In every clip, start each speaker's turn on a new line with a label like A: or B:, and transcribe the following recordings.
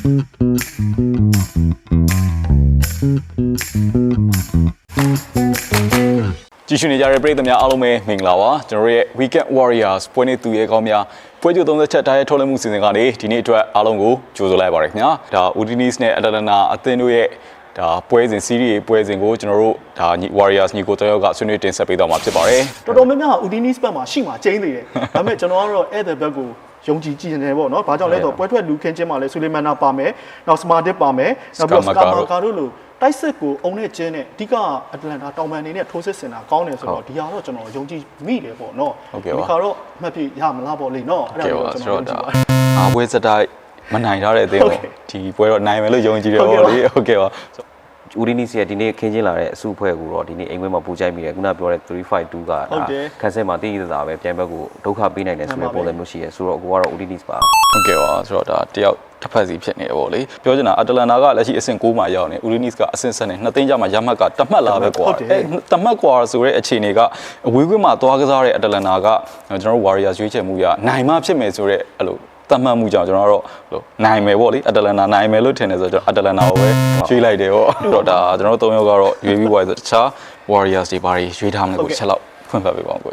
A: ကြည့်ရှုနေကြတဲ့ပရိသတ်များအားလုံးပဲမင်္ဂလာပါကျွန်တော်ရဲ့ Weekend Warriors ပွဲနေ့သူရဲကောင်းများပွဲကြို30ချက်တိုင်းထုတ်လွှင့်မှုစီစဉ်ကနေဒီနေ့အတွက်အားလုံးကိုကြိုဆိုလိုက်ပါရခင်ဗျာဒါ Udinis နဲ့ Atalanta အသင်းတို့ရဲ့ဒါပွဲစဉ် series ပွဲစဉ်ကိုကျွန်တော်တို့ဒါ Warriors ညီကိုတယောက်ကဆွေးနွေးတင်ဆက်ပေးသွားမှာဖြစ်ပါတယ်
B: တော်တော်များများ Udinis ဘက်မှာရှိမှကျင်းနေတယ်ဒါပေမဲ့ကျွန်တော်ကတော့အဲ့တဲ့ဘက်ကိုယုံကြည်ကြည်နေတယ်ပေါ့နော်။ဘာကြောင့်လဲဆိုတော့ပွဲထွက်လူခင်းချင်းမှာလဲဆူလီမန်နာပါမယ်။နောက်စမာတစ်ပါမယ်။နောက်ပြီးစကာမာကာတို့လိုတိုက်စစ်ကိုအုံနဲ့ကျင်းနဲ့အဓိကအတလန်တာတောင်ပန်နေနဲ့ထိုးစစ်စင်တာကောင်းတယ်ဆိုတော့ဒီဟာတော့ကျွန်တော်ယုံကြည်မိတယ်ပေါ့နော်။ဒီခါတော့အမှတ်ပြရမလားပေါ့လေနော်။
A: အဲ့ဒါကိုကျွန်တော်ယုံကြည်ပါတယ်။အားပွဲစတိုက်မနိုင်ထားတဲ့အသင်းပေါ့ဒီပွဲတော့နိုင်မယ်လို့ယုံကြည်တယ်ပေါ့လေ။ဟုတ်ကဲ့ပါ။
C: ဦးဒီနီစီကဒီနေ့ခင်းချင်းလာတဲ့အစုအဖွဲ့ကိုတော့ဒီနေ့အိမ်ဝဲမှာပူကြိုက်မိတယ်ခုနပြောတဲ့352ကခန်းစဲမှာတည်ရတာပဲပြန်ဘက်ကိုဒုက္ခပေးနိုင်တယ်ဆိုတဲ့ပုံစံမျိုးရှိရဲဆိုတော့ကိုကတော့ဦးဒီနီစ်ပါ
A: ဟုတ်ကဲ့ပါဆိုတော့ဒါတယောက်တစ်ဖက်စီဖြစ်နေတယ်ပေါ့လေပြောချင်တာအတလန်နာကလက်ရှိအဆင့်6မှာရောက်နေဦးဒီနီစ်ကအဆင့်7နဲ့2သိန်းကျမှရမှတ်ကတမှတ်လာပဲကွာအဲတမှတ်ကွာဆိုတဲ့အခြေအနေကအဝေးကွင်းမှာသွားကစားတဲ့အတလန်နာကကျွန်တော်တို့ Warriors ရွေးချယ်မှုရနိုင်မှဖြစ်မယ်ဆိုတဲ့အဲ့လိုတတ်မှတ်မှုကြောင့်ကျွန်တော်တို့နိုင်မယ်ပေါ့လေအတလန်နာနိုင်မယ်လို့ထင်တယ်ဆိုတော့ကျွန်တော်အတလန်နာကိုပဲရွေးလိုက်တယ်ပေါ့တော့ဒါကျွန်တော်တို့3ယောက်ကတော့ရွေးပြီးပွားဆိုတခြား Warriors တွေဘာတွေရွေးထားမလဲကိုချက်လောက်ဖွင့်ဖတ်ပေးပါဦး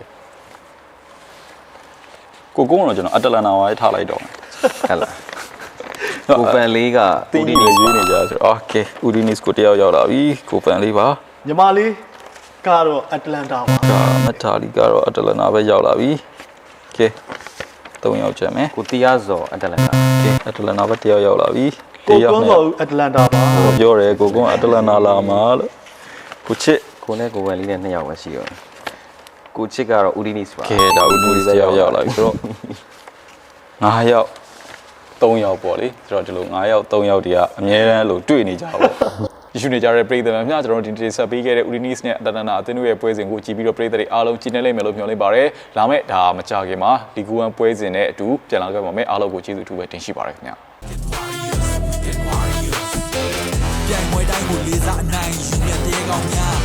A: ကိုကုန်းတော့ကျွန်တော်အတလန်နာဝိုင်းထားလိုက်တော့
C: ဟဲ့လားကိုပန်လေးက
A: ဦးဒီနီရွေးနေကြဆိုတော့ Okay ဦးဒီနီကိုတယောက်ရောက်လာပြီကိုပန်လေးပါ
B: ညီမလေးကတော့အတလန်တာပါ
A: မထာလီကတော့အတလန်နာပဲရောက်လာပြီ Okay 3ယောက်ချက်မယ်
C: ကိုတရားစော်အတလန်တာ
A: โอเคအတလန်နာပဲတယောက်ရောက်လာပြီ
B: ကိုကွန်းစော်အတလန်တာပါ
A: ပြောတယ်ကိုကွန်းအတလန်နာလာမှာလို့ကိုချစ်
C: ကိုနဲ့ကိုဝယ်လေးနဲ့2ယောက်ပဲရှိရောကိုချစ်ကတော့ဦးဒီနစ်ပါ
A: ကဲဒါဦးဒီနစ်ပဲရောက်လာပြီဆိုတော့9ယောက်3ယောက်ပေါ့လေဆိုတော့ဒီလို9ယောက်3ယောက်တည်းကအများတန်းလို့တွေ့နေကြပါပေါ့ရရှိနေကြတဲ့ပရိသတ်များကျွန်တော်တို့ဒီတင်ဆက်ပေးခဲ့တဲ့ Udinis နဲ့ Atalanta အသင်းတို့ရဲ့ပွဲစဉ်ကိုကြည့်ပြီးတော့ပရိသတ်တွေအားလုံးကြည့်နေလိမ့်မယ်လို့မျှော်လင့်ပါတယ်။လာမယ့်ဒါမကြခင်မှာလီဂူ1ပွဲစဉ်နဲ့အတူပြန်လာခဲ့ပါမယ်။အားလုံးကိုကျေးဇူးအထူးပဲတင်ရှိပါတယ်ခင်ဗျာ။ပြိုင်ပွဲတိုင်းကိုလေးစားအနိုင်ယူနေတဲ့ကောင်းများ